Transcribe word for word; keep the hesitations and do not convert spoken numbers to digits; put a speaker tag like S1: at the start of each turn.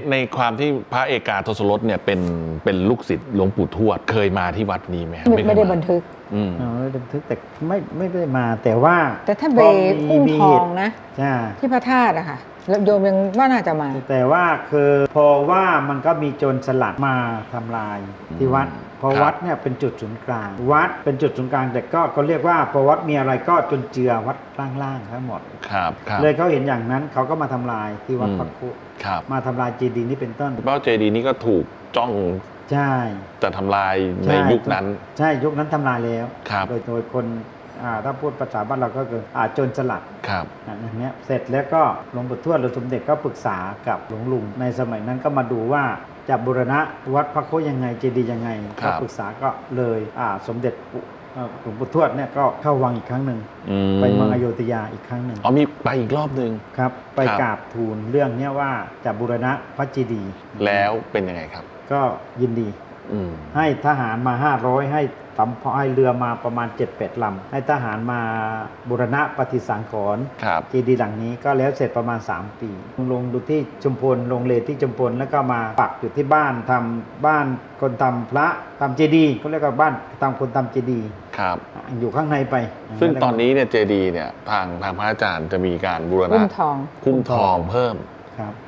S1: ในความที่พระเอกาทศรสเนี่ยเป็นเป็นลูกศิษย์หลวงปู่ทวดเคยมาที่วัดนี้ไหม
S2: ไม่ไม่ได้บันทึก
S1: อืม
S3: อ๋อบันทึกแต่ไม่ไม่ได้มาแต่ว่า
S2: แต่ท่านไปอุ้มทองนะ
S3: ใช่
S2: ที่พระธาตุอะค่ะแล้วโยมยังว่าน่าจะมา
S3: แต่ว่าคือพอว่ามันก็มีโจรสลัดมาทำลายที่วัดเพราะ
S1: ครับ
S3: วัดเนี่ยเป็นจุดศูนย์กลาง วัดเป็นจุดศูนย์กลางแต่ก็ก็เรียกว่าพอวัดมีอะไรก็จนเจือวัดล่างๆทั้งหมด
S1: ครับครับ
S3: เลยเขาเห็นอย่างนั้นเขาก็มาทำลายที่วัด
S1: อืม
S3: พระคุ
S1: ครับ
S3: มาทำลายเจดีย์นี่เป็นต้น
S1: เป้าเจดีย์นี้ก็ถูกจ้อง
S3: ใช่
S1: จะทำลายใน
S3: ใช่
S1: ยุคนั้น
S3: ใช่ยุคนั้นทำลายแล้ว
S1: ครับ
S3: โดยโดยคนอ่าถ้าพูดภาษาบ้านเราก็คืออาโจรสลัด
S1: ครับ
S3: อ่ะอย่างเงี้ยเสร็จแล้วก็หลวงปู่ทวดหรือสมเด็จก็ปรึกษากับหลวงลุงในสมัยนั้นก็มาดูว่าจะบูรณะวัดพระโคยังไงเจดีย์ยังไง
S1: ครั
S3: ก็
S1: บ
S3: ปรึกษาก็เลยอ่าสมเด็จปู่เอ่อหลวงปู่ทวดเนี่ยก็เข้าวังอีกครั้งหนึ่ง
S1: อืม
S3: ไปเมืองอโยธยาอีกครั้งหนึ่ง
S1: อ๋อมีไปอีกรอบหนึ่ง
S3: ครับไป
S1: ครับ
S3: กราบทูลเรื่องเนี้ยว่าจะบูรณะพระเจดีย์
S1: แล้วเป็นยังไงครับ
S3: ก็ยินดี
S1: อืม
S3: ให้ทหารมา ห้าร้อย ให้สำให้เรือมาประมาณ เจ็ดแปด ลำ ให้ทหารมาบูรณะปฏิสังขรณ์
S1: ครับ
S3: เจดีย์หลังนี้ก็แล้วเสร็จประมาณ สาม ปีลงดูที่ชุมพลลงเลที่ชุมพลแล้วก็มาปักอยู่ที่บ้านทำบ้านคนทำพระทำเจดีย์เขาเรียกว่าบ้านทำคนทำเจดีย์
S1: ครับ
S3: อยู่ข้างในไป
S1: ซึ่งตอนนี้เนี่ยเจดีย์เนี่ยทางทางพระอาจารย์จะมีการบูรณะ
S2: อุ้มทอง
S1: คุ้มทองเพิ่ม
S3: ครับ